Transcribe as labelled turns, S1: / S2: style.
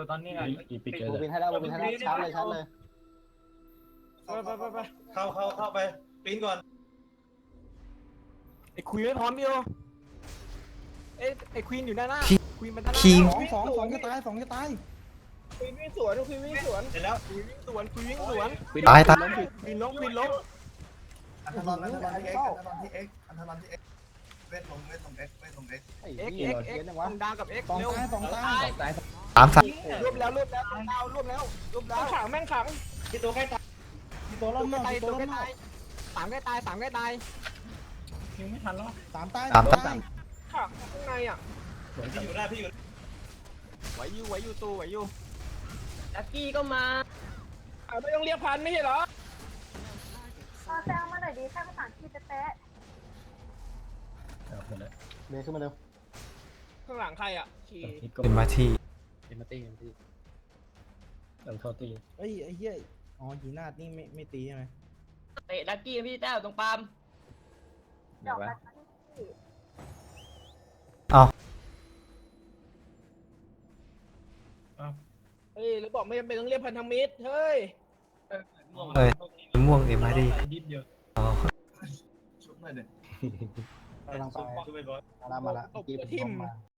S1: ตอนนี้อีปิก
S2: บูบินให้แล้วบูบินให้แล้วชาร์จเลยชาร์จเลย
S3: ไปเข้าไปปีนก่อน
S4: ไอ้ควีนไม่พร้อมพี่โอไอ้ควีนอยู่ด้านหน้าควีนมันด้านหน้า
S5: คิง
S6: สองจะตายควีนวิ่งสวนควีนวิ่งสวน
S3: เสร็จแล้ว
S4: ควีนวิ่งสวนควีนวิ่งสวน
S5: ตาย
S4: ควีนล้มควีนล้ม
S3: อันทรอนที่เอ็กเวทลงเอ็ก
S2: ไอ้
S4: เอ็ก
S2: เหี้
S4: เอ็
S2: ย
S4: กเอ็ก
S2: เยอะจังวะ
S4: ดาวกับเอ็ก
S6: สอง
S4: เร็ว
S6: ตายสองตาย
S5: สาม
S4: รวบแล้วรวบแล้วดาวรวบแล้วรวบแล้ว
S6: ขังแม่งขัง
S3: ที่ตัวใกล้ตาย
S6: ตัวล้
S4: ตัว
S6: ม
S4: ใกล้ตาย
S6: ตั
S4: ตัว ว
S6: ล้
S4: ใกล้
S6: ม
S4: ตายสามใกล้ตายสามใกล้ตาย
S1: ยังไม่ทันแล้ว
S6: สามตาย
S2: ขัง
S6: ขังข้างในอ่ะ
S3: พี่อยู่ได้พี่อยู่
S4: ไหวอยู่ตู้ไหวอยู่
S7: ลักกี้ก็มา
S6: ไม่ต้องเรียกพันไม่ใช่เหรอ
S8: แซงมาหน่อยดีแค่ภาษาอังกฤษเป๊ะ
S1: หมดแล้ว
S2: เบย์ขึ้นมาเร็ว
S6: ข้างหลังใครอ่ะขี่
S1: นี่ก็
S5: เป็นมาที่
S1: เอ็มตี้หลังเข้าตี
S6: ไอ้เหี้ยอ๋อหีนาดนี่ไม่ตีใช่ไหม
S7: เตะลักกี้พี่แต้วตรงปาล์ม
S8: ๆดอกแบบที่
S6: เฮ้ยแล้วบอกไม่จำเป็นต้องเรียกพันธมิตรเฮ้ย
S5: ม่วงเอ็มมาดี
S1: นิดเดียว
S5: อ๋อ
S3: ชุบหน่อยเด็ด
S2: กำลังไป
S3: ชุบไปบอส
S2: มาละเมื่อกี้ผมลงมา